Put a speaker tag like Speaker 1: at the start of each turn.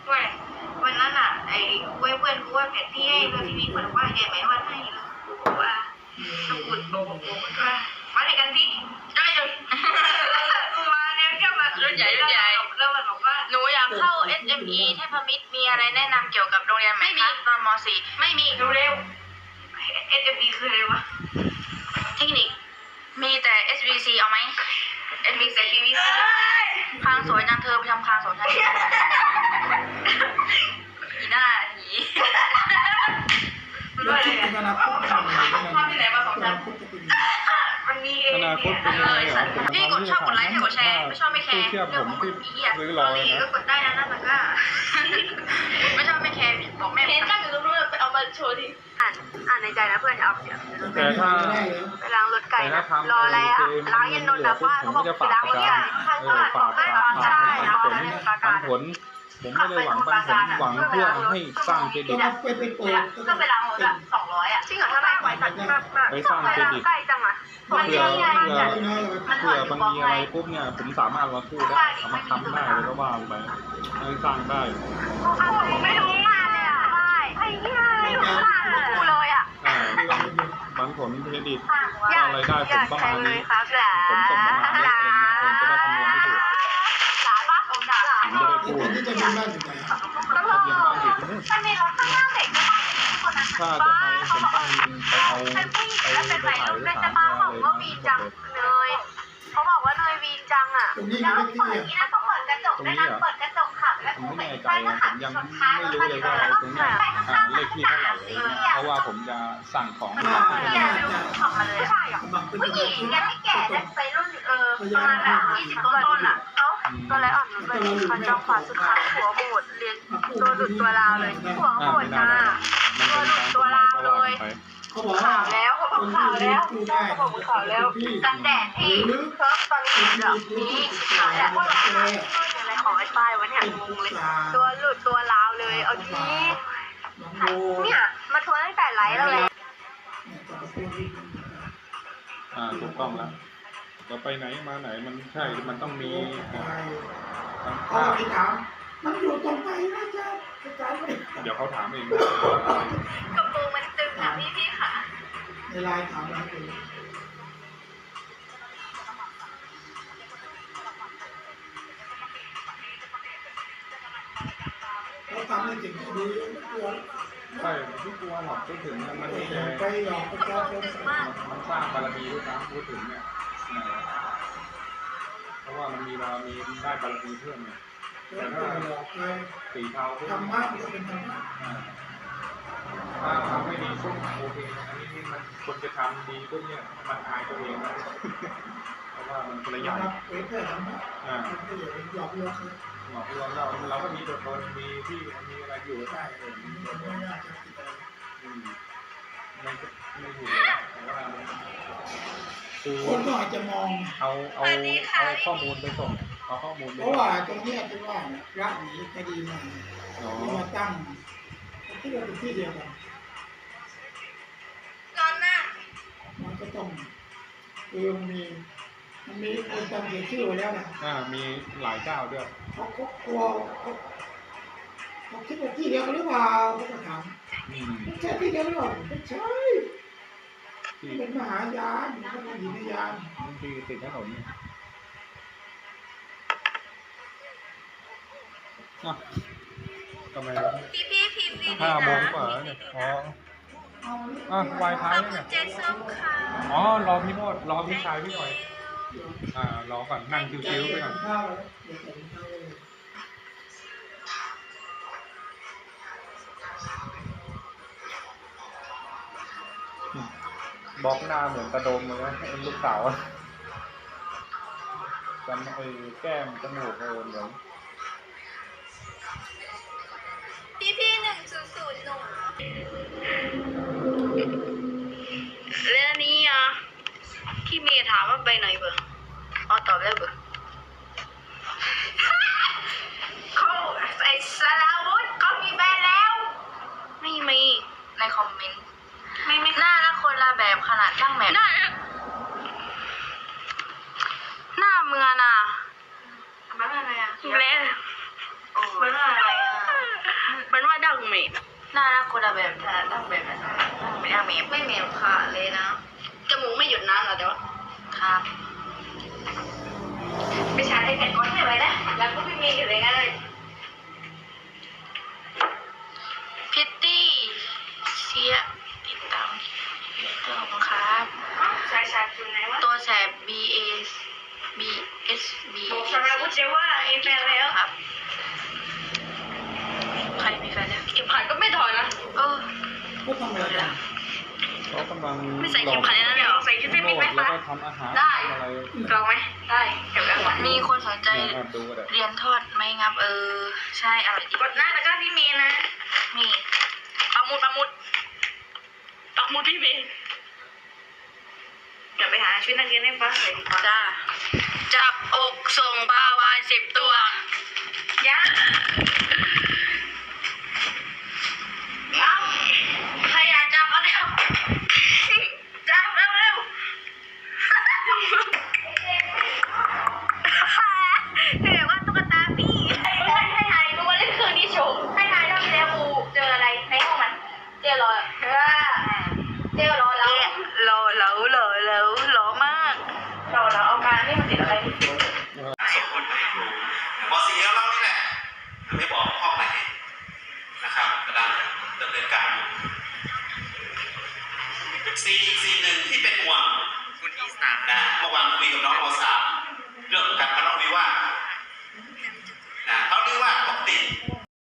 Speaker 1: ว่าวันนั้นอ่ะไอ้เพื่อนกูว่าแผนที่ให้ดูทีวีคนบอกว่าใหญ่ไหมวันให้กูบอกว่าสมุดบอกว่ามาไหนกันสิได้เลยกูมาเนี่ยก็มารุ่นใหญ่แล้วมันบอกว่าหนูอยากเข้า SME เทพมิตรมีอะไรแนะนำเกี่ยวกับโรงเรียนไหมคะตอนม .4 ไม่มีดูเร็ว SME คืออะไรวะเทคนิคมีแต่ SVC เอาไหม SVC คางสวยจังเธอไปทำคางสวยจังอีหน้าหี
Speaker 2: แล้วคิดถึงอนาคต
Speaker 1: ภาพที่ไหนมาสองชั้นมันมีอนาคตเป็นยังไงเหรอพี่กดชอบกดไลค์ให้กดแชร์ไม่ชอบไม่แคร์เรื่องของมึงอีอ่ะก็กดได้นะนั่นก็ไม่ชอบไม่แคร์บอกแม่เห็นนั่งอยู่ตรงนู้นไปเอามาโชว์ดิอ่านในใจนะเพื่อนเอา
Speaker 3: แต่ถ้า
Speaker 1: ไปล้างรถไก่รออะไรอ่ะล้างยันนนท์นะว่าเขาบอกไปล้างรถไก่
Speaker 3: ฝากปันผลผมไม่ได้หวังปันผลหวังเพื่อให้สร้างเครดิต
Speaker 1: ก็ไปล้างรถอ่ะ200อ่ะจริงเหรอถ้าได้ไว้สัก
Speaker 3: ไปสร้างเครดิต
Speaker 1: ใกล้จังอ่ะ
Speaker 3: เผื่อบางทีอะไรปุ๊บเนี่ยผมสามารถมาสู้ได้สามารถทำได้แล้วก็ว่าไปให้สร้างได้
Speaker 1: ไม่รู้งานเลยอ่ะไอ้เหี้ยไม่รู้งานกูเลยอ่ะ
Speaker 3: ปันผลเครดิตอะไรได้ผมประมาณนี้ผมส่งประมาณนี้ผมจะได้คำนวณที่ถูกผมจะได้พูด
Speaker 2: ที่จะมีบ้านอยู่ไหน
Speaker 1: มันมีรถข้างหน้าเด็ก
Speaker 3: ถ้าจะไปผมต้องไปเอาไปถ่ายรูปสามตัวเลย
Speaker 1: เลยเขาบอกว่าเลยวีนจังอ่ะแล้วเปิดนี่นะต้องเปิดกระจกด้วยนะเปิดกระจกขับแล้ว
Speaker 3: ผมไม่แน่ใจผมยังไม่รู้เลยว่าตรงนี้เลขที่เท่าไหร่เพราะว่าผมจะสั่งของ
Speaker 1: ขับมาเลยใช่หรอผู้หญิงยังไม่แก่จะไปรุ่นประมาณแบบ20ต้นอ่ะก็เลยอ่อนนุชไปคันจอขวาสุดท้ายหัวโหดเรียนตัวหลุดตัวลาวเลยหัวโหดจ้าตัวหลุดตัวลาวเลยข่าวแล้วเขาบอกข่าวแล้วเขาบอกข่าวแล้วกันแดดที่เพิ่มตอนนี้แบบนี้ข่าวแล้วว่าอะไรของไอ้ป้ายวะเนี่ยงงเลยตัวหลุดตัวลาวเลยเอาทีเนี่ยมาทวนตั้งแต่ไลฟ์แล้วเลย
Speaker 3: ถูกต้องแล้วเราไปไหนมาไหนมันใช่มันต้องมี
Speaker 2: เขาไปถามมันอยู่ตรงไหนนะจ๊ะ
Speaker 3: เดี๋ยวเขาถามเอง
Speaker 1: กระโปรงมันตึงค่ะพี่ค่ะ
Speaker 2: ในไลน์ถามนะเขาทำให้ถึงดี
Speaker 3: ใช่ที่กลัวหรอกพูดถึงมัน
Speaker 2: ไปหลอกประชาชน
Speaker 3: มันสร้างบารมีด้วยนะพูดถึงเนี่ยเพราะว่ามันมีบารมีได้บารมีเพิ่มเนี่ยแต่ถ้าสีเทา
Speaker 2: ธรรมะมันเป็นธรรมะ
Speaker 3: ถ้าทำไม่ดีปุ๊บโอเคอันนี้มันคนจะทำดีปุ๊บเนี่ยมันอายตัวเองนะเพราะว่ามันประหยัด
Speaker 2: เผยแพร่ธรรมะมันก็อย่าไปหลอกลวง
Speaker 3: หลอกลวงเราก็มีตัวตนมีที่มีอะไรอยู่ได้
Speaker 2: ไม่น่าจะติดอะไร
Speaker 3: ไม่ถูกแต่ว่า
Speaker 2: คนก็อาจจะมอง
Speaker 3: เอาข้อมูลไปส่งเอาข้อมูล
Speaker 2: เพราะว่าตรงนี้คือว่าพระหนีคดีมามาตั้งที่เราเป็นที่เดียวกัน
Speaker 1: ตอนน่ะ
Speaker 2: มันก็ต้องคือมันมีคนจำเสียชื่อไว้แล้วนะ
Speaker 3: มีหลายเจ้าด้วย
Speaker 2: เขากลัวเขาคิดว่าที่เดียวกันหรือเปล่าเขาก็ถามไม่ใช่ที่เดียวหรือเปล่าไม่ใช่เป็นมหายานมันก็เป็นหินยาน
Speaker 3: บางทีติดถนนทำไม
Speaker 1: พี่พิมพ์ดี
Speaker 3: 5 โมงกว่าเนี่ยวายท้ายเนี่ยรอพี่โนดรอพี่ชายพี่หน่อยรอก่อนนั่งชิวๆไปก่อนบล็อกหน้าเหมือนกระโดมเลยนะลูกสาวจำแก้มจมูกเหมือน
Speaker 1: พี่1001แล้วนี่พี่เมย์ถามว่าไปไหนเบอร์ตอบแล้วเบอร์เขาไอ้สลาวุธเขามีแฟนแล้วไม่มีในคอมเมนต์ไม่หน้าละคนละแบบขนาดช่างแบบหน้าเมืองน่ะมันอะไรเละมันอะไรงเมมหน้าคนละแบบแต่ตั้งแบบนั้นไม่ตั้งเมมไม่เมมค่ะเลยนะจมูกไม่หยุดน้ำเหรอเดี๋ยวครับไปชาร์จไอแพดก่อนให้ไว้นะแล้วก็ไม่มีอยู่เลยงั้นเลยพิตตี้เชียติดตามตัวของครับใช่คือไหนวะตัวแสบ B A B S B บอกสำหรับผู้เจ้าว่าเอแฟนแล้วครับใครมีแฟนแล้วเข็มขัดก็ไม่ถอยนะ
Speaker 2: ก็ทำอะไรกัน
Speaker 3: เขากำลัง
Speaker 1: ไม่ใส่เข็มขัดในนั้นเหรอใส่ชุดเต้นไหม
Speaker 3: แล้ว
Speaker 1: คะ
Speaker 3: ก็ทำอาหาร
Speaker 1: ได้
Speaker 3: อะไร
Speaker 1: ลองไหมได้เก็บไว้ก่อนมีคนสนใจ
Speaker 3: ดูก็ได้
Speaker 1: เรียนทอดไหมงับใช่อะไรกดหน้าตะกร้าพี่เมย์นะนี่ปักหมุดพี่เมย์เดี๋ยวไปหาชุดนักเรียนให้ฟ้าใส่ดีกว่าจ้าจับอกส่งปลาวาน10 ตัวยักษ์เอาใครอยากจับเอาเร็วจับเร็วถือว่าตุ๊กตาพี่ให้ทายดูว่าเล่นเครื่องนี้โชว์ให้ทายรอบที่แล้วบูเจออะไรในห้องมันเจอรอยเจอรอยแล้วรอมากรอเอาการนี่มันติดอะไร